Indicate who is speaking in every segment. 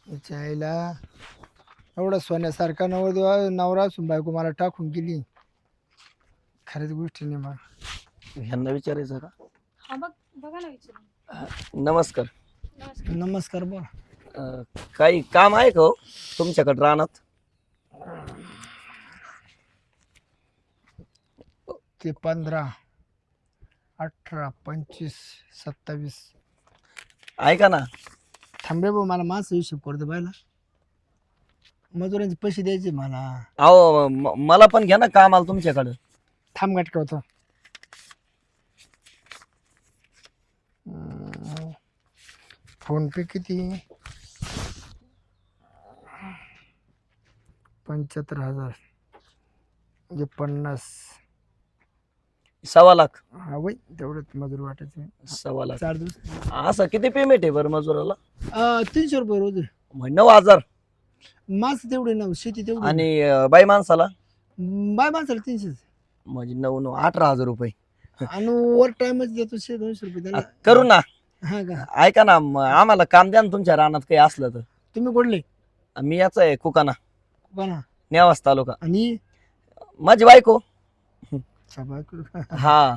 Speaker 1: तिच्या आईला एवढा सोन्यासारखा नवरा असून बायको मला टाकून गेली. खऱ्याच गोष्टी नाही मला.
Speaker 2: ह्यांना विचारायचं का?
Speaker 3: हा बघा ना विचारून.
Speaker 2: नमस्कार.
Speaker 3: नमस्कार.
Speaker 1: नमस्कार बोला.
Speaker 2: काही काम आहे का हो तुमच्याकडे रानात?
Speaker 1: ते 15, 18, 25, 27.
Speaker 2: ऐका ना,
Speaker 1: थांबे भाऊ मला मास हिशोब करतो बायला. मजुरांचे पैसे द्यायचे मला.
Speaker 2: अहो मला पण घ्या ना कामाला तुमच्याकडं.
Speaker 1: थांब गाठका होतो. फोन पे किती? 75,000 म्हणजे 50.
Speaker 2: 1.25 लाख.
Speaker 1: हा वय तेवढंच मजूर वाटायचं.
Speaker 2: 1.25 लाख
Speaker 1: 4 दिवस.
Speaker 2: असं किती पेमेंट आहे बरं मजुराला?
Speaker 1: 300 रुपये रोज आहे.
Speaker 2: म्हणजे 9,000.
Speaker 1: मास तेवढे ना, शेती तेवढी.
Speaker 2: आणि बाई माणसाला
Speaker 1: बाय माणसाला 300.
Speaker 2: म्हणजे 9 18,000 रुपये.
Speaker 1: आणि ओव्हर टाइमच देतो 200 रुपये त्याला.
Speaker 2: करू ना.
Speaker 1: हा का?
Speaker 2: ऐका ना, आम्हाला काम द्या ना तुमच्या रानात काही असलं तर.
Speaker 1: तुम्ही कुठले?
Speaker 2: मी याचा आहे कुकाना,
Speaker 1: बना.
Speaker 2: नेवास तालुका.
Speaker 1: आणि
Speaker 2: माझी बायको.
Speaker 1: बायको.
Speaker 2: हा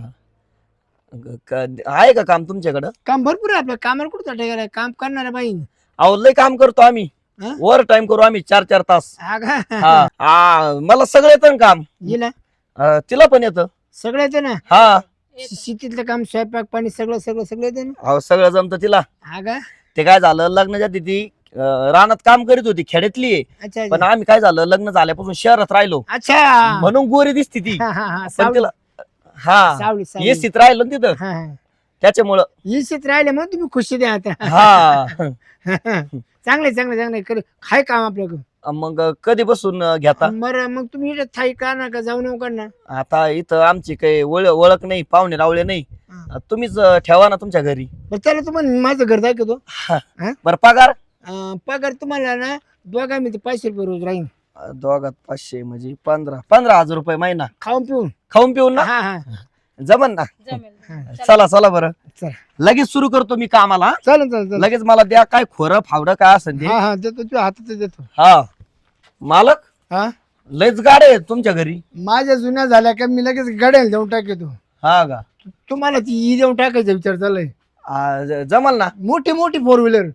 Speaker 2: आहे का काम तुमच्याकडं?
Speaker 1: काम भरपूर आहे आपलं. कामाला कुठं गेलाय? काम करणार बाई.
Speaker 2: अहो लय काम करतो आम्ही.
Speaker 1: हा?
Speaker 2: ओव्हर टाइम करू आम्ही 4-4 तास.
Speaker 1: हा का?
Speaker 2: हा मला सगळं येतं ना काम.
Speaker 1: गेला
Speaker 2: तिला पण येतं.
Speaker 1: सगळं येतं ना.
Speaker 2: हा
Speaker 1: शेतीतलं काम, स्वयंपाक पाणी सगळं सगळं सगळं येतं ना.
Speaker 2: अहो सगळं जमतं तिला.
Speaker 1: हा का?
Speaker 2: ते काय झालं, लग्नाच्या आधी ती रानात काम करीत होती, खेड्यातली आहे.
Speaker 1: अच्छा
Speaker 2: पण आम्ही काय झालं, लग्न झाल्यापासून शहरात राहिलो
Speaker 1: अच्छा.
Speaker 2: म्हणून गोरी दिसती ती.
Speaker 1: हा हा हा.
Speaker 2: पण
Speaker 1: सावली
Speaker 2: तिला हा
Speaker 1: सावली सावली.
Speaker 2: एसीत राहिलो ना तिथं,
Speaker 1: हा हा.
Speaker 2: त्याच्यामुळं.
Speaker 1: इशित राहिले मग तुम्ही खुशी द्या आता.
Speaker 2: हा
Speaker 1: चांगले चांगले चांगले कर. काय काम आपल्याकडं?
Speaker 2: मग कधी बसून घेता?
Speaker 1: बरं मग तुम्ही इकडे थाई का ना का जाऊ नका का ना.
Speaker 2: आता इथं आमची काही ओळख नाही, पाहुणे रावळे नाही.
Speaker 1: हा.
Speaker 2: तुम्हीच ठेवा ना तुमच्या घरी.
Speaker 1: बरं चला तुम्हाला माझं घर दाखवतो.
Speaker 2: बरं पगार?
Speaker 1: पगार तुम्हाला ना दोघा मी 500 रुपये रोज राहील.
Speaker 2: दोघात 500 म्हणजे 15,000 रुपये महिना.
Speaker 1: खाऊन पिऊन.
Speaker 2: खाऊन पिऊन ना?
Speaker 1: हा हा
Speaker 2: जमन ना?
Speaker 3: जमेल.
Speaker 1: हा.
Speaker 2: चला चला बरं,
Speaker 1: चला
Speaker 2: लगेच सुरू करतो मी कामाला.
Speaker 1: चालेल चालेल चालेल.
Speaker 2: लगेच मला द्या काय खोरं फावडं काय असेल ते.
Speaker 1: हा हा देतो तुझ्या हातात देतो.
Speaker 2: हा मालक,
Speaker 1: हा
Speaker 2: लयच गाड्या आहेत तुमच्या घरी.
Speaker 1: माझ्या जुन्या झाल्या का मी लगेच गाड्याला देऊन टाकतो.
Speaker 2: हा का?
Speaker 1: तुम्हाला ती ई देऊन टाकायचा विचार चाललाय.
Speaker 2: जमल ना?
Speaker 1: मोठी मोठी 4 व्हीलर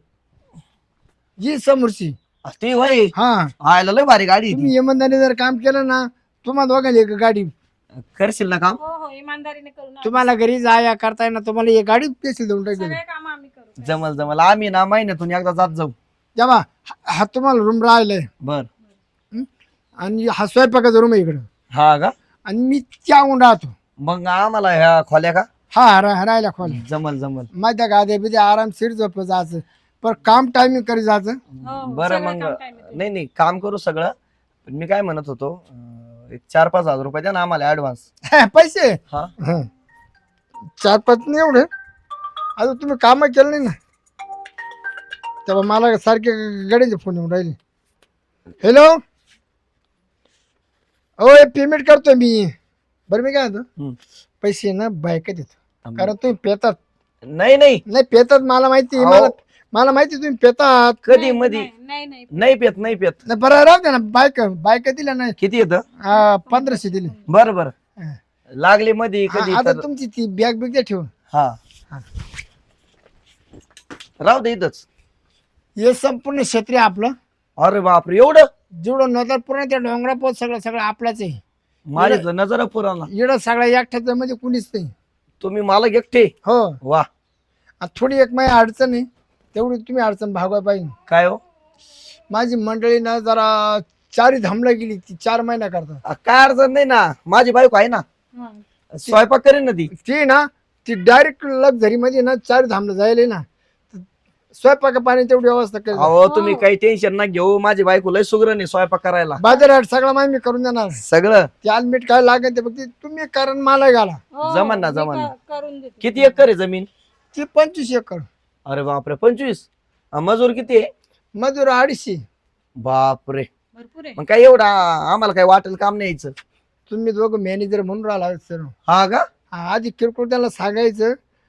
Speaker 1: जी समोरची.
Speaker 2: ती वय
Speaker 1: हा
Speaker 2: आयला लय भारी गाडी आहे ती.
Speaker 1: तुम्ही इमानदारीने जर काम केलं ना तुम्हाला दोघांना एक गाडी.
Speaker 2: करशील ना काम?
Speaker 3: हो हो इमानदारीने करू ना.
Speaker 1: तुम्हाला घरी जाया करता येणार तुम्हाला एक गाडी पेशील देऊन टाकेल.
Speaker 3: सगळे काम आम्ही करू.
Speaker 2: जमल जमल, आम्ही ना महिन्यातून एकदा जात जाऊ.
Speaker 1: जेव्हा हा तुम्हाला रूम राहिलाय
Speaker 2: बर.
Speaker 1: आणि हा स्वयंपाकाचा रूम आहे इकडं.
Speaker 2: हा का?
Speaker 1: आणि मी त्याहून राहतो.
Speaker 2: मग आम्हाला ह्या खोल्या का?
Speaker 1: हा राहायला खोल.
Speaker 2: जमल जमल.
Speaker 1: माझ्या गाद्या बिद्या आरामशीर झोप जायचं. पण काम टायमिंग करी जायचं.
Speaker 3: हो, हो,
Speaker 2: बरं
Speaker 3: सगळं
Speaker 2: मग
Speaker 3: काम time मध्ये.
Speaker 2: नाही नाही काम करू सगळं. पण मी काय म्हणत होतो, एक 4-5 हजार रुपये द्या ना आम्हाला ऍडव्हान्स.
Speaker 1: पैसे
Speaker 2: हा
Speaker 1: 4-5 नाही एवढे. आता तुम्ही काम केलं नाही ना तेव्हा मला सारखे गड्याचे फोन येऊन राहिले. हॅलो हो पेमेंट करतो मी. बरं मी काय म्हणतो
Speaker 2: हम्म.
Speaker 1: पैसे ना बायका देतो. कारण तुम्ही पेतात.
Speaker 2: नाही नाही
Speaker 1: नाही पेतात मला माहिती.
Speaker 2: अहो.
Speaker 1: मला माहिती तुम्ही पेतात.
Speaker 2: कधी
Speaker 3: नाही,
Speaker 2: मधी
Speaker 3: नाही नाही
Speaker 2: नाही पेत नाही पेत.
Speaker 1: नाही बरं राहू दे ना. बायका दिल्या नाही.
Speaker 2: किती येतं?
Speaker 1: 1500 दिले.
Speaker 2: बरं बरं,
Speaker 1: हा.
Speaker 2: लागले मध्ये कधी
Speaker 1: आता
Speaker 2: तर.
Speaker 1: तुमची ती बॅग बिग द्या ठेवून.
Speaker 2: हा
Speaker 1: हा.
Speaker 2: राहू दे इथंच.
Speaker 1: हे संपूर्ण क्षेत्र आहे आपलं.
Speaker 2: अरे बापरे, एवढं?
Speaker 1: जेवढं नजर पूर्ण त्या डोंगरा पोत सगळं सगळं आपलाच आहे.
Speaker 2: माझी नजर पुराला.
Speaker 1: इकडं सगळ्या एकट्याच्या मध्ये कुणीच नाही.
Speaker 2: तुम्ही मला एकटे?
Speaker 1: हो.
Speaker 2: वा.
Speaker 1: थोडी एक माझी अडचण आहे तेवढी तुम्ही अडचण भागवा पाहिजे.
Speaker 2: काय हो?
Speaker 1: माझी मंडळी ना जरा 4 धामला गेली. ती 4 महिना करतात.
Speaker 2: काय अडचण नाही ना, माझी बायको आहे ना,
Speaker 3: हा.
Speaker 2: स्वयंपाक करेन ना ती.
Speaker 1: ती ना ती डायरेक्ट लक्झरी मध्ये ना 4 धामला जायला ना स्वयंपाक पाणी तेवढी व्यवस्था केली.
Speaker 2: अहो तुम्ही काही टेन्शन ना घेऊ, माझी बायको लय सुग्र नाही स्वयंपाक करायला.
Speaker 1: बाजारात सगळं माहिती मी करून देणार.
Speaker 2: सगळं
Speaker 1: त्याल मीठ काय लागेल ते फक्त तुम्ही कारण मला घाला.
Speaker 3: हो,
Speaker 2: जमन ना,
Speaker 3: मी
Speaker 2: जमन ना.
Speaker 3: करून देते.
Speaker 2: किती एकर आहे जमीन?
Speaker 1: ती 25 एकर.
Speaker 2: अरे बापरे, 25. मजूर किती आहे?
Speaker 1: मजूर 250.
Speaker 2: बापरे,
Speaker 3: भरपूर आहे.
Speaker 2: मग काय एवढा आम्हाला काय वाटेल काम नाही यायचं.
Speaker 1: तुम्ही दोघं मॅनेजर म्हणून राहिला सर.
Speaker 2: हा का?
Speaker 1: आधी किरकोळ त्याला सांगायचं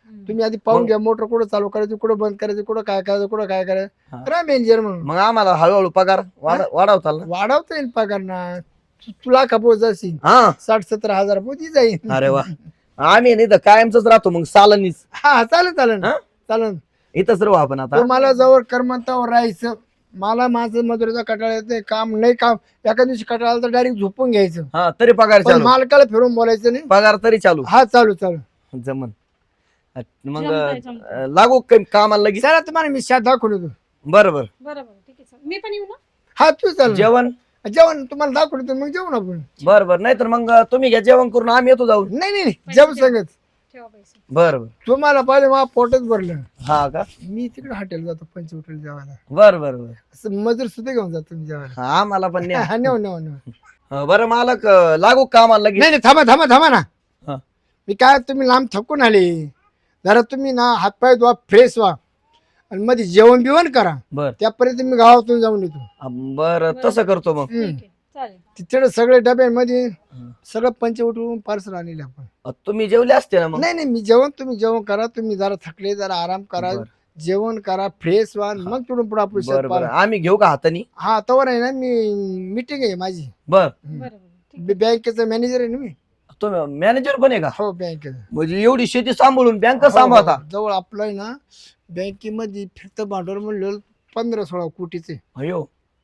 Speaker 1: तुम्ही आधी पाहून
Speaker 2: मग?
Speaker 1: घ्या मोटर कुठं चालू करायची, कुठं बंद करायची, कुठं काय करायचं, कुठं काय करायचं.
Speaker 2: हा.
Speaker 1: करा मॅनेजर म्हणून.
Speaker 2: मग आम्हाला हळूहळू पगार वाढवताल ना.
Speaker 1: वाढवता येईल पगार ना. तुला खपोत जाशील
Speaker 2: हा
Speaker 1: 60-70 हजार पोती जाईल.
Speaker 2: अरे वा, आम्ही नाही तर कायमच राहतो मग सालनीच.
Speaker 1: हा चालेल चालेल
Speaker 2: हा?
Speaker 1: चालेल.
Speaker 2: इथंच राहू आपण आता.
Speaker 1: तुम्हाला जवळ कर्मंतावर राहायचं. मला माझं मजुरीचा कटाळा येत नाही. काम नाही, काम एका दिवशी कटाळा आला तर डायरेक्ट झोपून घ्यायचं.
Speaker 2: हा तरी पगार
Speaker 1: पण
Speaker 2: चालू,
Speaker 1: मालकाला फिरून बोलायचं नाही.
Speaker 2: पगार तरी चालू.
Speaker 1: हा चालू चालू.
Speaker 2: जमन. मग
Speaker 3: जमतंय.
Speaker 2: लागू कामाला लगेच.
Speaker 1: चला तुम्हाला मी शाद दाखवून येतो.
Speaker 2: बरं बरं.
Speaker 3: बरोबर ठीक आहे चल. मी पण येऊ ना.
Speaker 1: हा तू चाल.
Speaker 2: जेवण
Speaker 1: जेवण तुम्हाला दाखवून येतो, मग जेवण आपण.
Speaker 2: बरं बरं, नाही तर मग तुम्ही घ्या जेवण करून, आम्ही येतो जाऊन.
Speaker 1: नाही नाही जेवण सांगत.
Speaker 3: ठेवा पैसे.
Speaker 2: बरं बरं.
Speaker 1: तुम्हाला पाहिजे मला पोटच भरलं.
Speaker 2: हा का.
Speaker 1: मी तिकडे हॉटेल जातो, पंच हॉटेल जेवायला.
Speaker 2: बरं बरं बरं.
Speaker 1: असं मजूर सुद्धा घेऊन जातो मी जेवायला.
Speaker 2: हा आम्हाला पण न्या.
Speaker 1: हा नेऊ नेऊ नेऊ.
Speaker 2: बरं मालक, लागू कामाला लगेच.
Speaker 1: नाही नाही थांबा थांबा थांबा ना.
Speaker 2: हा.
Speaker 1: मी काय तुम्ही लांब थकून आले. जरा तुम्ही ना हातपाय धुवा, फ्रेश व्हा आणि मध्ये जेवण बिवण करा.
Speaker 2: बर
Speaker 1: त्यापर्यंत मी गावातून जाऊन येतो.
Speaker 2: बर तसं करतो मग.
Speaker 3: ठीक आहे चालेल.
Speaker 1: तिथे सगळे डब्यामध्ये सगळं पंच उठवून पार्सल आणले आपण.
Speaker 2: तुम्ही जेवले असते ना मग.
Speaker 1: नाही नाही मी तुम्ही जेवण करा. तुम्ही जरा थकले, जरा आराम करा,
Speaker 2: बरं.
Speaker 1: जेवण करा, फ्रेश व्हा, मग तिकडून पुढे आपण
Speaker 2: बरं बरं, आम्ही घेऊ का हातानी.
Speaker 1: हा तवर आहे ना, मी मीटिंग आहे माझी.
Speaker 2: बर,
Speaker 3: बरोबर ठीक
Speaker 1: बँकेचा मॅनेजर आहे ना मी.
Speaker 2: तुम्ही मॅनेजर पण आहे का.
Speaker 1: हो बँकेचा.
Speaker 2: म्हणजे एवढी शेती सांभाळून बँक सांभाळता.
Speaker 1: जवळ आपलं आहे ना, बँकेमध्ये फिरतं भांडवल म्हणलं 15-16 कोटीचे.
Speaker 2: अयो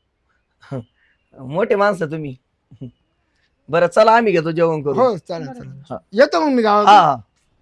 Speaker 2: मोठे माणसं तुम्ही. बरं चला, आम्ही घेतो जेवण करू.
Speaker 1: हो चालेल
Speaker 2: हा.
Speaker 1: चालेल. येतो मग मी गावात.
Speaker 2: हा,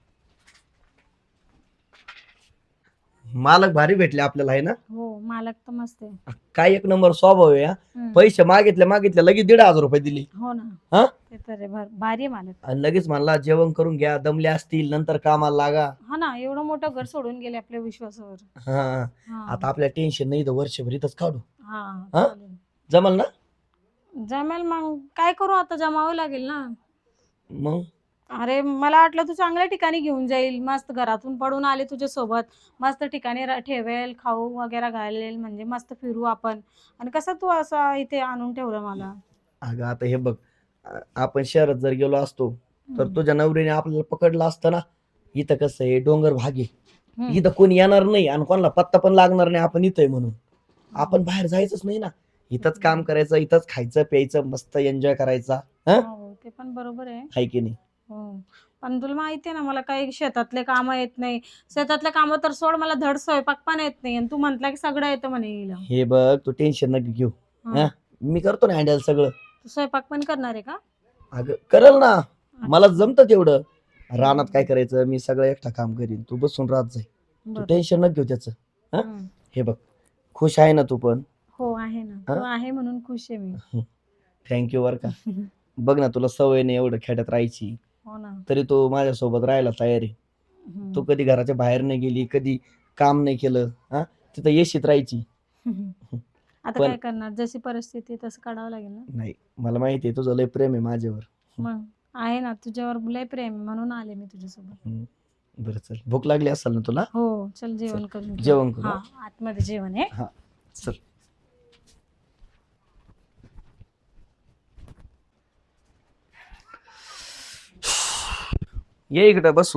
Speaker 2: मालक भारी भेटले आपल्याला आहे ना.
Speaker 3: हो मालक तर मस्त आहे.
Speaker 2: काय एक नंबर स्वभाव आहे. हा. पैसे मागितले लगेच 1,500 रुपये दिले.
Speaker 3: हो ना.
Speaker 2: हा
Speaker 3: ते तर आहे, भारी आहे मालक.
Speaker 2: आणि लगेच म्हणला जेवण करून घ्या, दमले असतील नंतर कामाला लागा.
Speaker 3: हा ना, एवढं मोठं घर सोडून गेले आपल्या विश्वासावर.
Speaker 2: हा,
Speaker 3: हा.
Speaker 2: आता आपल्या टेन्शन नाही तर वर्षभर इथंच काढू.
Speaker 3: हा
Speaker 2: हा?
Speaker 3: चालेल.
Speaker 2: जमल ना.
Speaker 3: जमेल मग काय करू आता, जमावं लागेल ना.
Speaker 2: मग
Speaker 3: अरे मला वाटलं तू चांगल्या ठिकाणी घेऊन जाईल, मस्त घरातून पडून आले तुझ्या सोबत, मस्त ठिकाणी ठेवेल, खाऊ वगैरे घालेल, म्हणजे मस्त फिरू आपण. आणि कसं तू असं इथे आणून ठेवलं मला.
Speaker 2: अगं आता हे बघ, आपण शहरात जर गेलो असतो तर तुझ्या नवरीने आपल्याला पकडलं असतं ना. इथं कसं आहे, डोंगर भाग आहे.
Speaker 3: हम्म.
Speaker 2: इथं कोणी येणार नाही आणि कोणाला पत्ता पण लागणार नाही आपण इथं आहे म्हणून. आपण बाहेर जायचंच नाही ना. इथंच काम करायचं, इथंच खायचं प्यायचं, मस्त एन्जॉय करायचा.
Speaker 3: हो ते पण बरोबर आहे.
Speaker 2: हाय की नाही.
Speaker 3: हो पण तुला माहिती आहे ना, मला काही शेतातले काम येत नाही. शेतातले काम तर सोड, मला धड स्वयंपाक पण येत नाही. आणि तू म्हंटला की सगळं येतं म्हणे हिला.
Speaker 2: हे बघ, तू टेन्शन नका घेऊ.
Speaker 3: हा.
Speaker 2: मी करतो ना हँडल सगळं.
Speaker 3: तू स्वयंपाक पण करणार आहे का.
Speaker 2: अगं करल ना, मला जमतं तेवढं. रानात काय करायचं, मी सगळं एकटा काम करीन, तू बसून राहत जाई. तू
Speaker 3: बरं.
Speaker 2: टेन्शन नका घेऊ त्याचं.
Speaker 3: हम्म.
Speaker 2: हे बघ, खुश आहे ना तू पण.
Speaker 3: हो आहे ना, तू आहे म्हणून खुश आहे मी.
Speaker 2: थँक्यू बर का. बघ ना, तुला सवय नाही एवढं खेड्यात राहायची,
Speaker 3: हो ना.
Speaker 2: तरी तू माझ्यासोबत राहायला तयार आहे.
Speaker 3: हम्म.
Speaker 2: तू कधी घराच्या बाहेर नाही गेली, कधी काम नाही केलं. हा, तिथं येशीत राहायची.
Speaker 3: आता
Speaker 2: पण-
Speaker 3: काय करणार, जशी परिस्थिती तसं काढावं लागेल ना.
Speaker 2: नाही, मला माहिती आहे तुझं लय प्रेम आहे माझ्यावर.
Speaker 3: मग आहे ना, तुझ्यावर लय प्रेम आहे, म्हणून आले मी तुझ्यासोबत.
Speaker 2: बरं चल, भूक लागली असेल ना तुला.
Speaker 3: हो चल जेवण करून घेऊ.
Speaker 2: जेवण करू.
Speaker 3: हा आतमध्ये जेवण आहे.
Speaker 2: हा चल. ये इकडे बसू.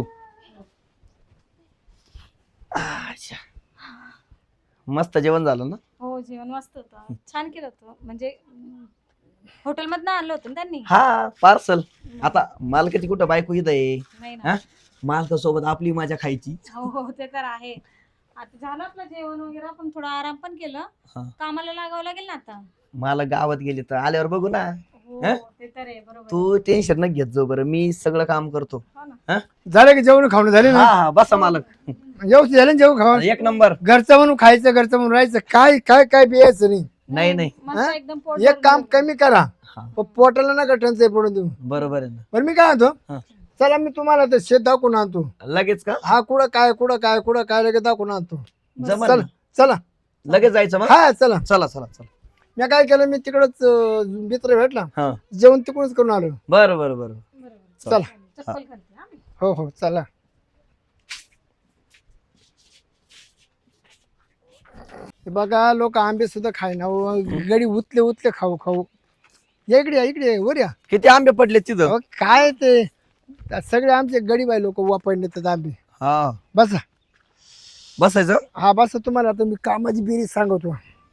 Speaker 2: अच्छा. मस्त जेवण झालं ना.
Speaker 3: हो जेवण मस्त होतं, छान केलं होतं. म्हणजे हॉटेलमधनं आणलं होतं ना त्यांनी.
Speaker 2: हा पार्सल. आता मालकाची कुठं बायको इथं आहे.
Speaker 3: नाही
Speaker 2: हा?
Speaker 3: ना.
Speaker 2: मालकासोबत आपली मजा खायची.
Speaker 3: हो हो ते तर आहे. आता झालं आपलं जेवण वगैरे, पण थोडा आराम पण केलं.
Speaker 2: हा.
Speaker 3: कामाला लागावं लागेल ना आता.
Speaker 2: मला गावात गेली तर आल्यावर बघू ना.
Speaker 3: हो
Speaker 2: हा?
Speaker 3: ते तर आहे, बरोबर आहे.
Speaker 2: तू टेन्शन न घेत जाऊ, बरं मी सगळं काम करतो.
Speaker 3: हो ना.
Speaker 1: झालं की जेवण खावणं झाले
Speaker 2: हा
Speaker 1: ना.
Speaker 2: हा बसा मालक.
Speaker 1: व्यवस्थित झालं ना जेवण खावण.
Speaker 2: एक नंबर.
Speaker 1: घरचं म्हणून खायचं, घरचं म्हणून राहायचं. काय काय काय बियायचं नाही.
Speaker 2: नाही नाही,
Speaker 3: मस्त
Speaker 1: हा?
Speaker 3: एकदम पोट
Speaker 1: एक काम
Speaker 3: भरून
Speaker 1: कमी करा,
Speaker 2: हा,
Speaker 1: पण पोटाला नका टंचाई पडून देऊ.
Speaker 2: बरोबर आहे ना.
Speaker 1: पण मी काय म्हणतो,
Speaker 2: हा.
Speaker 1: चला मी तुम्हाला ते शेत दाखवून आणतो.
Speaker 2: लगेच का.
Speaker 1: हा कुठं काय लगेच दाखवून आणतो.
Speaker 2: जमल
Speaker 1: चला
Speaker 2: ना?
Speaker 1: चला.
Speaker 2: लगेच जायचं मग.
Speaker 1: हा चला.
Speaker 2: चला चला चला.
Speaker 1: मी काय केलं, मी तिकडच मित्र भेटला,
Speaker 2: हा
Speaker 1: जेवण तिकडूनच करून आलो.
Speaker 2: बरं बरं बरं.
Speaker 3: बरोबर.
Speaker 1: चला.
Speaker 3: चप्पल घालते हा मी.
Speaker 1: हो हो चला. हे बघा लोक आंबे सुद्धा खायना, गडी उतले उतले खाऊ खाऊ. या इकडे, या इकडे, वर या.
Speaker 2: किती आंबे पडले तिथं.
Speaker 1: अहो, काय ते सगळे आमचे गरीब आहे लोक वापरले तर आंबे.
Speaker 2: हा
Speaker 1: बसा.
Speaker 2: बसायचं.
Speaker 1: हा बसा. तुम्हाला आता मी कामाची बेरीज सांगतो.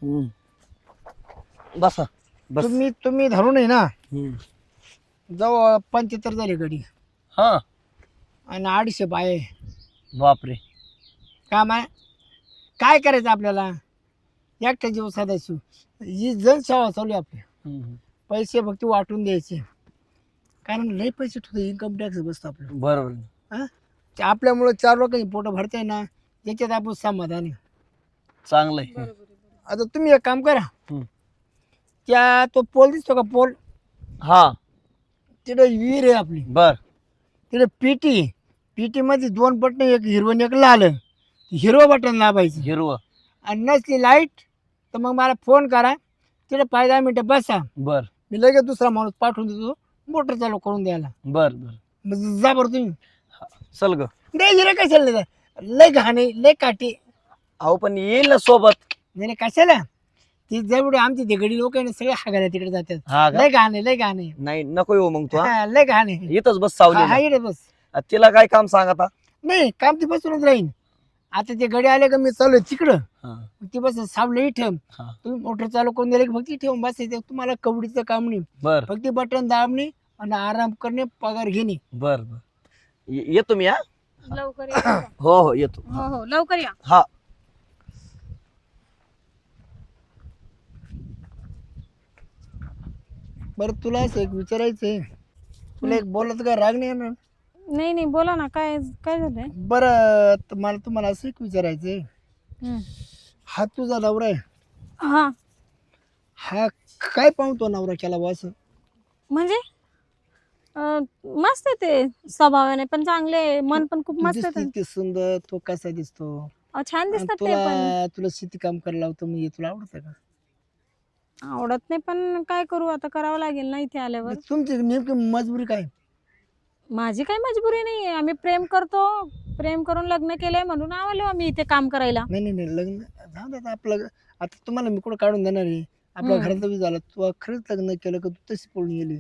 Speaker 2: बसा बस.
Speaker 1: तुम्ही धरून आहे ना,
Speaker 2: हम्म.
Speaker 1: जवळ 75 झाले गडी
Speaker 2: हा
Speaker 1: आणि 250 बाय.
Speaker 2: बापरे.
Speaker 1: काम आहे. काय करायचं आपल्याला? एकटा जीव साधायचो. ही जनसेवा चालू आहे आपली. पैसे फक्त वाटून द्यायचे, कारण लय पैसे ठेवतो. इन्कम टॅक्स बसतो आपलं.
Speaker 2: बरोबर.
Speaker 1: हा, आपल्यामुळं 4 लोकांनी पोटं भरताय ना, याच्यात आपण समाधान आहे.
Speaker 2: चांगलंय.
Speaker 1: आता तुम्ही एक काम करा.
Speaker 2: हम्म.
Speaker 1: त्या तो पोल दिसतो का पोल,
Speaker 2: हा
Speaker 1: तिथे विहीर आहे आपली.
Speaker 2: बर.
Speaker 1: तिथे पीटी मध्ये 2 बटन, एक हिरवं आणि एक लाल. हिरवं बटन दाबायचं
Speaker 2: हिरवं.
Speaker 1: आणि नसली लाईट तर मग मला फोन करा. तिथे 5-10 मिनिटं बसा.
Speaker 2: बर
Speaker 1: मी लगेच दुसरा माणूस पाठवून देतो मोटर चालू करून द्यायला.
Speaker 2: बर बर.
Speaker 1: मग जा बरं तुम्ही.
Speaker 2: चल ग.
Speaker 1: नाही हिरे कशाला नाही, लय घाणे लय काटे.
Speaker 2: अहो पण येईल ना सोबत.
Speaker 1: नाही कशाला, ती जेवढे आमची तिकडे लोक आहे ना, सगळे हागायला तिकडे जातात.
Speaker 2: हा का?
Speaker 1: लय घाणे लय घाणे.
Speaker 2: नाही नको येऊ मग तू.
Speaker 1: हा, लय घाणे.
Speaker 2: इथंच बस
Speaker 1: हा
Speaker 2: सावली.
Speaker 1: इकडे बस.
Speaker 2: तिला काय काम सांग आता.
Speaker 1: नाही काम ती बसूनच राहीन. आता ते गडी आले का मी चालू तिकडं,
Speaker 2: हा.
Speaker 1: ती बस सावलं इथं.
Speaker 2: हा.
Speaker 1: तुम्ही मोटर चालू करून दिले की फक्त ठेवून बसायचं. तुम्हाला कवडीचं काम नाही,
Speaker 2: बर
Speaker 1: फक्त बटन दाबणे आणि आराम करणे, पगार घेणे.
Speaker 2: बर बर. येतो मी. हा
Speaker 3: लवकर या.
Speaker 2: हो हो येतो.
Speaker 3: हो हो लवकर या.
Speaker 2: हा.
Speaker 1: बरं तुला असं एक विचारायचंय, तुला एक बोलत काय राग नाही येणार?
Speaker 3: नाही नाही बोला ना, काय काय झालंय?
Speaker 1: बरं मला तुम्हाला असं एक विचारायचंय.
Speaker 3: हम्म.
Speaker 1: हा तुझा नवरा आहे,
Speaker 3: हा
Speaker 1: हा काय पाहतो नवरा केला बा असं?
Speaker 3: म्हणजे मस्त आहे ते, स्वभावाने पण चांगले आहे, मन पण खूप मस्त आहे.
Speaker 1: दिसते सुंदर, तो कसा दिसतो?
Speaker 3: छान दिसतात ते पण.
Speaker 1: तुला शेती काम करायला लावतो मी, तुला आवडतं का?
Speaker 3: आवडत नाही पण काय करू आता, करावं लागेल ना इथे आल्यावर.
Speaker 1: तुमची नेमकी मजबुरी काय?
Speaker 3: माझी काही मजबुरी नाही आहे, आम्ही प्रेम करतो, प्रेम करून लग्न केलंय म्हणून आलो आम्ही इथे काम करायला.
Speaker 1: नाही नाही नाही, लग्न जाऊ दे आता आपलं. आता तुम्हाला मी कुठं काढून देणार आहे? आपल्या घरात झाला, तू खरंच लग्न केलं का तू तशी पळून गेली?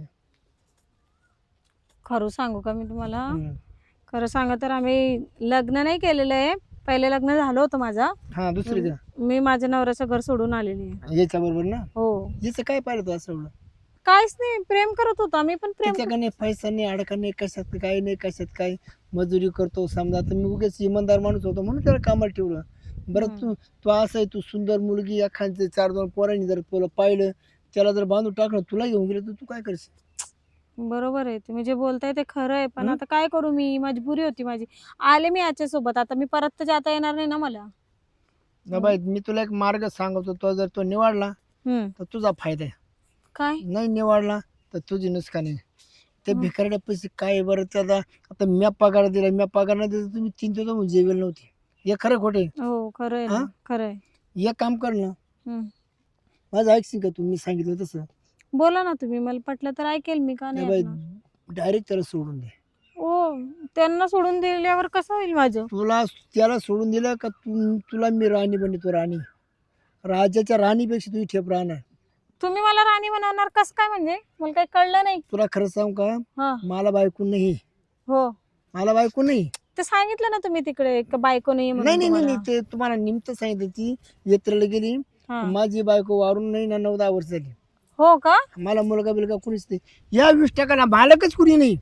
Speaker 3: खरं सांगू का मी तुम्हाला? खरं सांगा तर आम्ही लग्न नाही केलेलं आहे, पहिले लग्न झालं होतं माझं.
Speaker 1: हा दुसरी का?
Speaker 3: मी माझ्या नवऱ्याचं घर सोडून आलेली आहे.
Speaker 1: याच्या बरोबर ना?
Speaker 3: हो.
Speaker 1: याचं काय पाहिलं तू असं एवढं?
Speaker 3: काहीच नाही, प्रेम करत होतो आम्ही पण प्रेम.
Speaker 1: त्याच्याकडे पैसा नाही, अडका नाही, कशात काही नाही, कशात काय मजुरी करतो. समजा आता मी उगेच इमानदार माणूस होतो म्हणून त्याला कामाला ठेवलं. बरं तू तू असं आहे, तू सुंदर मुलगी, एखाद्या 4-2 पोरांनी जर तुला पाहिलं, त्याला जर बांधून टाकलं, तुला घेऊन गेलं, तर तू काय करशील?
Speaker 3: बरोबर आहे, तुम्ही जे बोलताय ते खरं आहे, पण आता काय करू, मी मजबुरी होती माझी. आले मी याच्या सोबत, आता मी परत तर जाता येणार नाही ना मला.
Speaker 1: ना बाई मी तुला एक मार्ग सांगतो, तो जर तो निवडला तर तुझा फायदा आहे.
Speaker 3: काय?
Speaker 1: नाही निवडला तर तुझी नुकसान आहे. ते भिकारड्या पैसे काय बरं त्याचा? आता मी पगार दिला, मी पगार नाही दिला, तुम्ही चिंतेत म्हणून जेवेल नव्हती. हे खरं खोटे?
Speaker 3: हो खरं आहे ना, खरं आहे.
Speaker 1: एक काम कर ना, माझं ऐकशील का तू? मी सांगितलं तसं
Speaker 3: बोला ना तुम्ही, मला पटलं तर ऐकेल मी, का नाही
Speaker 1: बाई.
Speaker 3: ऐकणार?
Speaker 1: डायरेक्ट त्याला सोडून दे.
Speaker 3: हो, त्यांना सोडून दिल्यावर कसं होईल माझं?
Speaker 1: त्याला सोडून दिलं का तुला मी राणी बनतो. राणी, राजाच्या राणीपेक्षा तुझी ठेप राहणार.
Speaker 3: तुम्ही मला राणी बनवणार कसं काय? म्हणजे मला काही कळलं नाही.
Speaker 1: तुला खरं सांगू का,
Speaker 3: हा.
Speaker 1: मला बायको नाही.
Speaker 3: हो
Speaker 1: मला बायको नाही.
Speaker 3: ते सांगितलं ना तुम्ही तिकडे का बायको नाही
Speaker 1: नाही नाही नाही, ते तुम्हाला निमित्त सांगितलं. ती यात्रेला गेली, माझी बायको वारून नाही ना 9-10 वर्ष झाली.
Speaker 3: हो का?
Speaker 1: मला मुलगा बिलगा कुणीच नाही. या 20% मालकच कुणी नाही.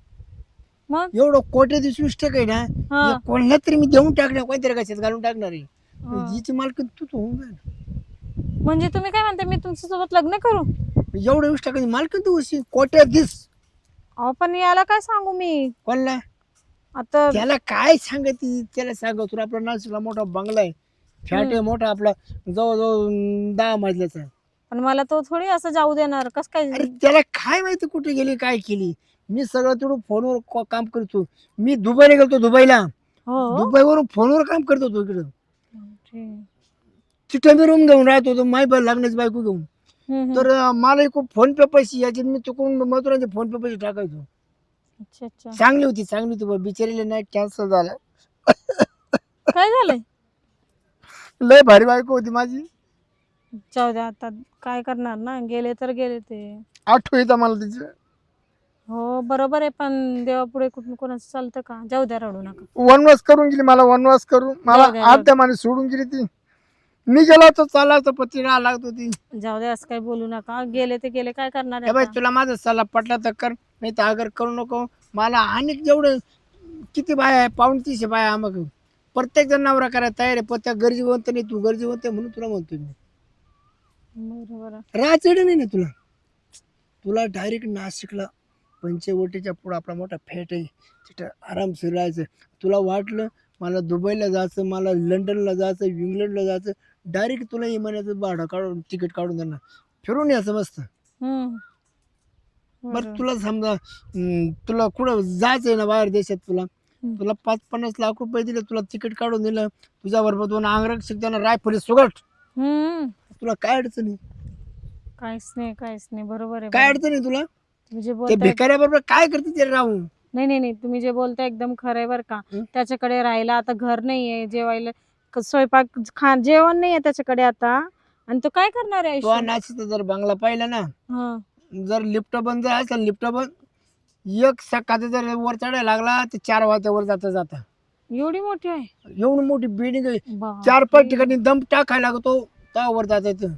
Speaker 3: मग
Speaker 1: एवढं कोटी 20% आहे ना, कोणाला तरी मी देऊन टाकणार, कोणतरी कशात घालून टाकणार आहे. जिची मालकी तू होऊन जाईल.
Speaker 3: म्हणजे तुम्ही काय म्हणता, मी तुमच्या सोबत लग्न करू?
Speaker 1: एवढं 20% मालकी तू अशी कोट्यात दिस.
Speaker 3: अहो पण याला काय सांगू मी?
Speaker 1: कोणला?
Speaker 3: आता
Speaker 1: त्याला काय सांगती? त्याला सांग तुला आपला नाशिकला मोठा बंगला आहे, फ्लॅट आहे मोठा आपला, जवळजवळ 10 मजल्याचा.
Speaker 3: पण मला तो थोडी असं जाऊ देणार, कस काय?
Speaker 1: अरे त्याला काय माहिती कुठे गेली काय केली? मी सगळं तेवढं फोनवर काम करतो. मी दुबईला गेलतो, दुबईला. दुबईवरून फोनवर काम करत होतो इकडं. तिथं मी रूम घेऊन राहत होतो, माय लग्नाची बायको घेऊन. तर मला खूप फोन पे पैसे याचे, मी चुकून मजुरांचे फोन पे पैसे टाकायचो. चांगली होती बिचारीला नाही, कॅन्सल झालं.
Speaker 3: काय झालंय?
Speaker 1: लय भारी बायको होती माझी.
Speaker 3: जाऊ द्या, आता काय करणार ना, गेले तर गेले ते.
Speaker 1: आठवण येतं मला तिचं.
Speaker 3: हो बरोबर आहे, पण देवापुढे कुठून कोणाचं चालतं का? जाऊ द्या, रडू नका.
Speaker 1: वनवास करून गेली मला, वनवास करून मला
Speaker 3: जाऊ द्या, जाऊ
Speaker 1: आत्या माने सोडून गेली ती. मी गेलो तर चालायचं पती राहा लागत होती.
Speaker 3: जाऊ द्या, असं काही बोलू नका. गेले ते गेले, काय करणार
Speaker 1: ए
Speaker 3: आहे
Speaker 1: बाई
Speaker 3: आता?
Speaker 1: तुला माझा सल्ला पटला तर कर, नाही तर अगर करू नको. मला आणि जेवढं किती बाय आहे, 250 बाय मग प्रत्येक जण नवरा करायला तयार आहे, पण त्या गरजेवंत नाही, तू गरजेवंत आहे म्हणून तुला म्हणतोय मी.
Speaker 3: बरोबर आहे.
Speaker 1: राहायचं नाही ना तुला. तुला डायरेक्ट नाशिकला पंचवटीच्या पुढं आपला मोठा फेट आहे, तिथं आरामशीर राहायचं. तुला वाटलं मला दुबईला जायचं, मला लंडनला जायचं, इंग्लंडला जायचं, डायरेक्ट तुला इमानाचं भाडं काढून तिकीट काढून देणार, फिरून यायचं मस्त.
Speaker 3: हम्म.
Speaker 1: बरं तुला समजा तुला कुठं जायचंय ना बाहेर देशात, तुला तुला 5-50 लाख रुपये दिले, तुला तिकीट काढून दिलं, तुझ्या बरोबर 2 अंगरक्षक त्यांना रायफली सुगट,
Speaker 3: हम्म.
Speaker 1: तुला काय अडचण आहे?
Speaker 3: काहीच नाही, काहीच नाही. बरोबर आहे.
Speaker 1: काय
Speaker 3: बरोबर.
Speaker 1: अडचण आहे तुला?
Speaker 3: तुम्ही जे
Speaker 1: ते
Speaker 3: बोलताय,
Speaker 1: भिकाऱ्याबरोबर काय करते ते राहून?
Speaker 3: नाही नाही नाही, तुम्ही जे बोलताय एकदम खरं आहे बरं का.
Speaker 1: हं?
Speaker 3: त्याच्याकडे राहायला आता घर नाहीये, जेवायला स्वयंपाक जेवण नाहीये त्याच्याकडे आता, आणि तो काय करणार आहे
Speaker 1: तो
Speaker 3: आयुष्य?
Speaker 1: नाशिकचा जर बंगला पाहिला ना,
Speaker 3: हा.
Speaker 1: जर लिफ्ट बंद जर असेल, लिफ्ट बंद, एक सकाळचा जर वर चढायला लागला तर 4 वाजतावर जाता
Speaker 3: एवढी मोठी आहे?
Speaker 1: एवढी मोठी बिल्डिंग आहे,
Speaker 3: बापरे.
Speaker 1: 4-5 ठिकाणी दम टाकायला लागतो तेव्हा वर जाता येतं.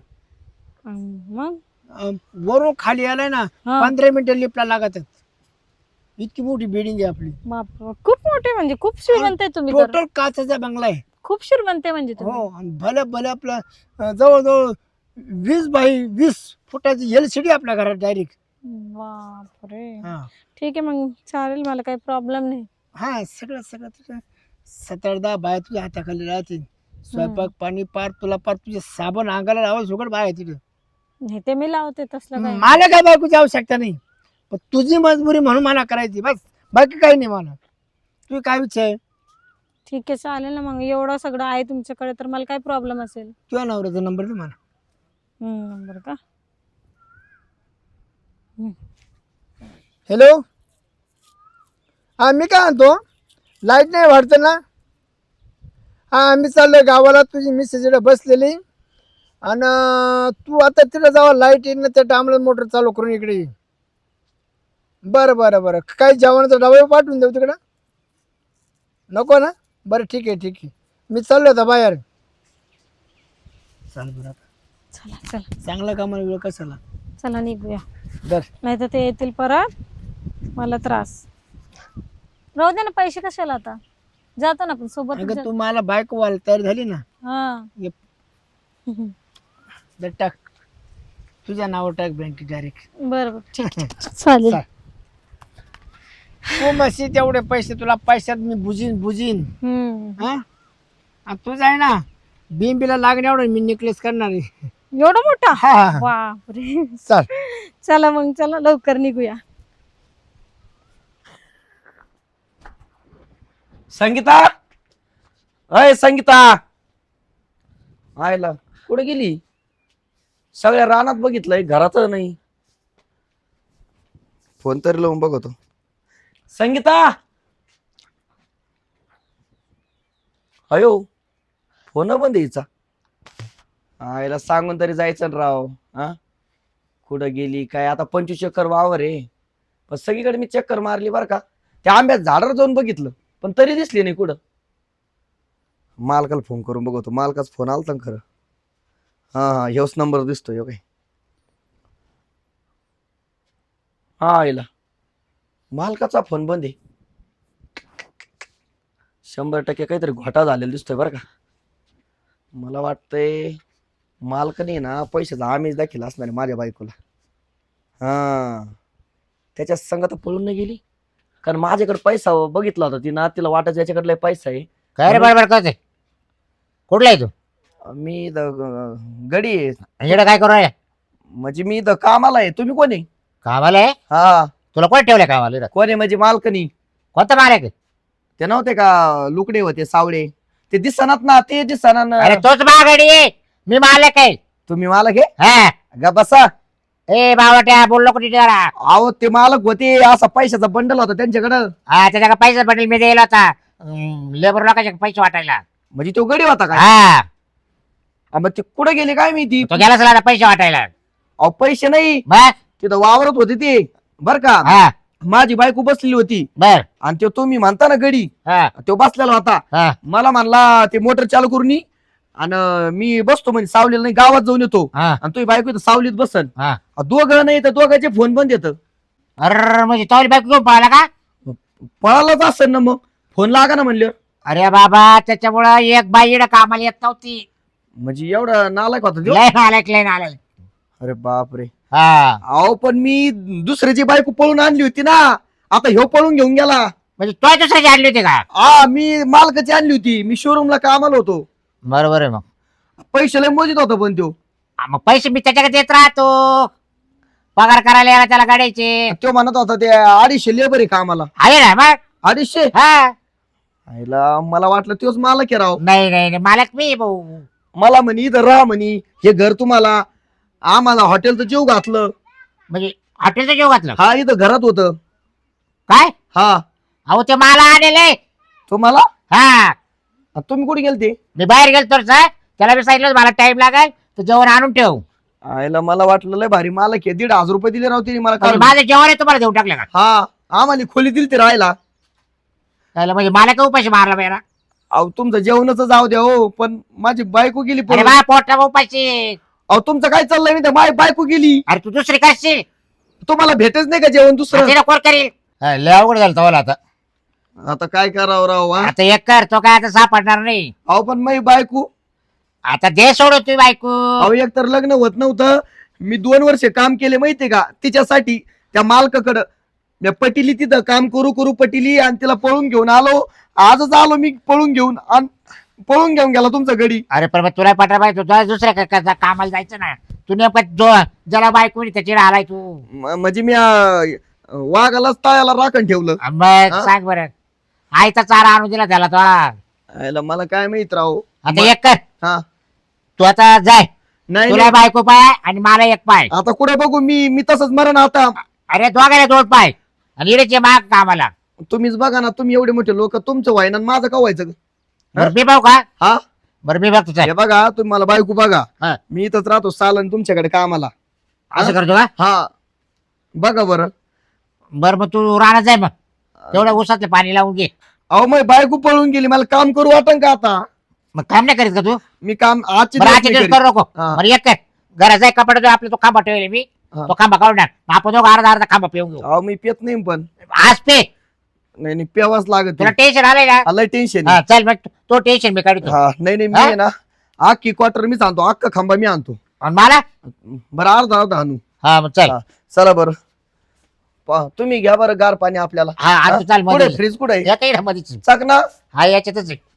Speaker 3: मग
Speaker 1: वरून खाली आलाय ना
Speaker 3: हा.
Speaker 1: 15 मिनिटं लिफ्टला लागतात. इतकी मोठी बिल्डिंग आहे आपली.
Speaker 3: बाप, खूप मोठे, म्हणजे खूप श्रीमंत आहे तुम्ही तर.
Speaker 1: टोटल काचाचा बंगला आहे.
Speaker 3: खूप श्रीमंत आहे म्हणजे तुम्ही.
Speaker 1: हो, आणि भले भले आपलं जवळजवळ 20 बाय 20 फुटाची LCD आपल्या घरात डायरेक्ट.
Speaker 3: बापरे.
Speaker 1: हा
Speaker 3: ठीक आहे मग, चालेल, मला काही प्रॉब्लेम नाही.
Speaker 1: हा, सगळं सगळं तुझं 7-10 बाया तुझ्या हाताखाली राहतील. स्वयंपाक पाणी पार तुला, पार तुझे साबण अंगाला लावा सुगड बाय तिथे.
Speaker 3: नाही ते मी लावते, तसलं काय.
Speaker 1: मला काय बायकोची आवश्यकता नाही, पण तुझी मजबुरी म्हणून मला करायची बस, बाकी काही नाही मला. तुझी काय इच्छा आहे?
Speaker 3: ठीक आहे, चालेल ना मग. एवढं सगळं आहे तुमच्याकडे तर मला काय प्रॉब्लेम असेल?
Speaker 1: तुझ्या नवऱ्याचा नंबर दे मला.
Speaker 3: नंबर का?
Speaker 1: हॅलो, हा मी काय म्हणतो, लाईट नाही वाटतं ना? हा, आम्ही चाललोय गावाला, तुझी मिसेस इकडे बसलेली, आणि तू आता तिकडे जावा, लाईट येईल ना त्या टायमाला मोटर चालू करून इकडे ये. बरं बरं बरं, काही जेवणाचा डबा पाठवून देऊ तिकडं? नको ना? बरं ठीक आहे ठीक आहे, मी चाललो आता बाहेर. चाल बरं, आता
Speaker 3: चला चला
Speaker 1: चांगला कामाला वेळ कशाला.
Speaker 3: चला, निघूया,
Speaker 1: दर
Speaker 3: नाही तर ते येतील परत, मला त्रास. राहू दे ना, पैसे कशाला आता, जातो ना आपण सोबत.
Speaker 1: अगं तू मला बायको व्हायला तयार झाली ना,
Speaker 3: हा.
Speaker 1: ये दर टाक, तुझ्या नावावर टाक बँकेत डायरेक्ट.
Speaker 3: बरं ठीक आहे, चालेल.
Speaker 1: चाल. तू मशी तेवढे पैसे तुला पैशात मी बुजीन. हा, आणि तुझं आहे ना बिंबीला लागण्या एवढं मी नेकलेस करणार आहे.
Speaker 3: एवढा मोठा?
Speaker 1: हा,
Speaker 3: बापरे.
Speaker 1: चाल.
Speaker 3: चला मग, चला लवकर निघूया.
Speaker 2: संगीता, अय संगीता, आयला कुठे गेली? सगळ्या रानात बघितलंय, घरात नाही. फोन तरी लावून बघतो. संगीता, अयो फोन बंद यायचा. आयला सांगून तरी जायचं ना राव. हा, कुठं गेली काय? आता 25 चक्कर वावर आहे, पण सगळीकडे मी चक्कर मारली बरं का. त्या आंब्यात झाडावर जाऊन बघितलं, पण तरी दिसली नाही कुठं. मालकाला फोन करून बघतो. मालकाचा फोन आलता ना खरं. हा हा, ह्योच नंबर दिसतोय काय. हा, आईला मालकाचा फोन बंद आहे. 100% काहीतरी घोटाळा झालेला दिसतोय बरं का. मला वाटतंय मालकाने ना पैशाचा आमिष दाखिला असणार आहे माझ्या बायकोला. हा, त्याच्या संगत पळून नाही गेली, कारण माझ्याकडे पैसा बघितला होता तिनं, तिला वाटायचं याच्याकडे पैसा आहे.
Speaker 4: काय रे बरोबर करते? कुठला आहे तू?
Speaker 2: मी गडी आहे.
Speaker 4: इकडे काय करू राहिला?
Speaker 2: म्हणजे मी इथं कामाला आहे. तुम्ही कोण आहे?
Speaker 4: कामाला आहे?
Speaker 2: हा,
Speaker 4: तुला कोण ठेवलंय कामाला इथं?
Speaker 2: कोण आहे म्हणजे मालकनी?
Speaker 4: कोणता माल आहे?
Speaker 2: ते नव्हते का लुकडे होते सावळे, ते दिसनात ना, ते दिसना ना.
Speaker 4: अरे तोच मागाडी आहे, मी मालक आहे.
Speaker 2: तुम्ही मालक आहे?
Speaker 4: हा,
Speaker 2: गा बसा.
Speaker 4: ए बावट्या बोललो कुठे जरा.
Speaker 2: अहो ते मालक होते, असा पैशाचा बंडल होता त्यांच्याकडं.
Speaker 4: हा, त्याच्या पैसा पडेल मी द्यायला होता लेबर लोकांचे पैसे वाटायला.
Speaker 2: म्हणजे तो गडी होता का?
Speaker 4: हा,
Speaker 2: मग ते कुठे गेले काय मी ती?
Speaker 4: तो गेला सला पैसे वाटायला.
Speaker 2: अहो पैसे नाही,
Speaker 4: बस.
Speaker 2: तिथं वावरत होते ते बर का.
Speaker 4: हा,
Speaker 2: माझी बायको बसलेली होती
Speaker 4: बर
Speaker 2: आणि तो तुम्ही म्हणता ना गडी
Speaker 4: हा
Speaker 2: तो बसलेला होता.
Speaker 4: हा
Speaker 2: मला म्हणला ते मोटर चालू करून ये आणि मी बसतो म्हणजे सावलीला नाही गावात जाऊन येतो
Speaker 4: हा
Speaker 2: आणि तुझी बायको इथं सावलीत बसन.
Speaker 4: हा
Speaker 2: दोघं नाही तर दोघांचे फोन बंद येतं.
Speaker 4: अरे म्हणजे तवली बायको घेऊन पळाला का?
Speaker 2: पळालाच असेल ना मग फोन लागा ना म्हणलं.
Speaker 4: अरे बाबा त्याच्यामुळं एक बाई इकडं कामाला येत नव्हती.
Speaker 2: म्हणजे एवढा नालायक होता त्यो?
Speaker 4: लय नालायक लय नालायक.
Speaker 2: अरे बापरे.
Speaker 4: हा
Speaker 2: अहो पण मी दुसऱ्याची बायको पळून आणली होती ना. आता ह्यो पळून घेऊन गेला.
Speaker 4: म्हणजे तो दुसऱ्याची आणली होती का?
Speaker 2: हा मी मालकाची आणली होती. मी शोरूमला कामाला होतो.
Speaker 4: बरोबर आहे मग.
Speaker 2: पैसे लय मोजित होता पण त्यो.
Speaker 4: मग पैसे मी त्याच्याकडे देत राहतो. पगार करायला यायला त्याला गाड्याचे
Speaker 2: तो म्हणत होता ते 250 लेबर आहे कामाला.
Speaker 4: आहे ना मग.
Speaker 2: 250.
Speaker 4: हा
Speaker 2: आईला मला वाटलं तोच मालक आहे राव.
Speaker 4: नाही नाही नाही, मालक मी भाऊ.
Speaker 2: मला म्हणे इथं राहा म्हणे हे घर तुम्हाला. आम्हाला हॉटेलचं जेव घातलं.
Speaker 4: म्हणजे हॉटेलचं जेव घातलं
Speaker 2: हा इथं घरात होतं.
Speaker 4: काय?
Speaker 2: हा
Speaker 4: अहो ते मला आणले.
Speaker 2: तुम्हाला.
Speaker 4: हा
Speaker 2: तुम्ही कुठे गेलते?
Speaker 4: मी बाहेर गेलो तर त्याला मी सांगितलं मला टाइम लागेल तर जेवण आणून ठेव.
Speaker 2: आईला मला वाटलं लय भारी मालक आहे. 1,500 रुपये दिले राव तिने मला
Speaker 4: म्हणजे
Speaker 2: काढून.
Speaker 4: माझं जेवण आहे तुम्हाला देऊन टाकलं का?
Speaker 2: हा आम्हाला खोली दिली ते राहायला.
Speaker 4: त्याला म्हणजे मला का उपाशी मारला पाहिजे?
Speaker 2: अहो तुमचं जेवणच जाऊ द्या हो पण माझी बायको गेली
Speaker 4: अरे
Speaker 2: पळून.
Speaker 4: बा पोटा उपाशी.
Speaker 2: अहो तुमचं काय चाललंय मी माझी बायको गेली.
Speaker 4: अरे तू दुसरी करशील
Speaker 2: तुम्हाला भेटच नाही का जेवण दुसरं?
Speaker 4: तिला कोण करील? लय अवघड झालं तवाला आता.
Speaker 2: आता काय करावं राव हा?
Speaker 4: आता एक कर तो काय आता सापडणार नाही.
Speaker 2: अहो पण माझी बायको.
Speaker 4: आता दे सोड तू बायको.
Speaker 2: अहो एक तर लग्न होत नव्हतं. मी 2 वर्ष काम केले माहितीये का तिच्यासाठी त्या मालकाकडं. मी पटिली तिथं काम करू करू पटिली आणि तिला पळून घेऊन आलो. आजच आलो मी पळून घेऊन आणि पळून घेऊन गेला तुमचा गडी.
Speaker 4: अरे पण मग तुला पटा पाहिजे तुला दुसऱ्या कामाला जायचं ना. तू नेमकं ज्याला बायको नाही त्याची राहिलाय तू.
Speaker 2: म्हणजे मी वाघालाच तळ्याला राखण ठेवलं.
Speaker 4: मग
Speaker 2: हा?
Speaker 4: सांग बरं. आईचा चारा आणून दिला त्याला तो.
Speaker 2: आयला मला काय माहित राव.
Speaker 4: आता एक कर
Speaker 2: हा
Speaker 4: तू आता जाय.
Speaker 2: नाही
Speaker 4: तुला
Speaker 2: नाही.
Speaker 4: बायको पाय आणि मला एक पाय.
Speaker 2: आता कुठे बघू मी तसंच मरण आता.
Speaker 4: अरे दोघायला 2 पाय आणि इडेचे माग कामाला.
Speaker 2: तुम्हीच बघा ना तुम्ही एवढे मोठे लोक तुमचं व्हायना आणि माझं का व्हायचं?
Speaker 4: बरं मी भाऊ का?
Speaker 2: हा
Speaker 4: बरं मी बघतो चल.
Speaker 2: हे बघा तुम्ही मला बायको बघा.
Speaker 4: हा.
Speaker 2: मी इथंच राहतो सालन तुमच्याकडे कामाला.
Speaker 4: असं करतो का?
Speaker 2: हा बघा बरं.
Speaker 4: बरं मग तू राहणार जाय मग. तेवढं उसातलं पाणी लावून घे.
Speaker 2: अहो मग बायको पळून गेली मला काम करू वाटन का आता?
Speaker 4: मग काम नाही करीत का तू?
Speaker 2: मी काम आजची
Speaker 4: बरं
Speaker 2: दिवस
Speaker 4: आजच्या
Speaker 2: नाही
Speaker 4: दिवस
Speaker 2: करीत.
Speaker 4: करू नको.
Speaker 2: हा.
Speaker 4: बरं एक कर घरात जाय कपडे जो आपला तो खांबा ठेवले मी.
Speaker 2: हा.
Speaker 4: तो खांबा काढून टाक. मग आपण दोघं अर्धा खांबा पिऊन घेऊ.
Speaker 2: अहो मी पेत नाही पण.
Speaker 4: आज पे
Speaker 2: नाही नाही पेवाच लागत.
Speaker 4: तुला टेन्शन आलंय का?
Speaker 2: लय टेन्शन.
Speaker 4: हा चल मग तो टेन्शन मी काढतो.
Speaker 2: हा नाही नाही मी
Speaker 4: हा?
Speaker 2: आहे ना अख्खी क्वार्टर मीच आणतो. अख्खा खांबा मी आणतो.
Speaker 4: आणि मला
Speaker 2: बरं अर्धा अर्धा आणू.
Speaker 4: हा मग चल.
Speaker 2: हा, चला बरं. तुम्ही घ्या बरं गार पाणी आपल्याला.
Speaker 4: हा आज चाल
Speaker 2: कुठे
Speaker 4: मध्ये
Speaker 2: फ्रीज कुठे
Speaker 4: या काही मध्येच.
Speaker 2: चक ना.
Speaker 4: हा याच्यातच आहे.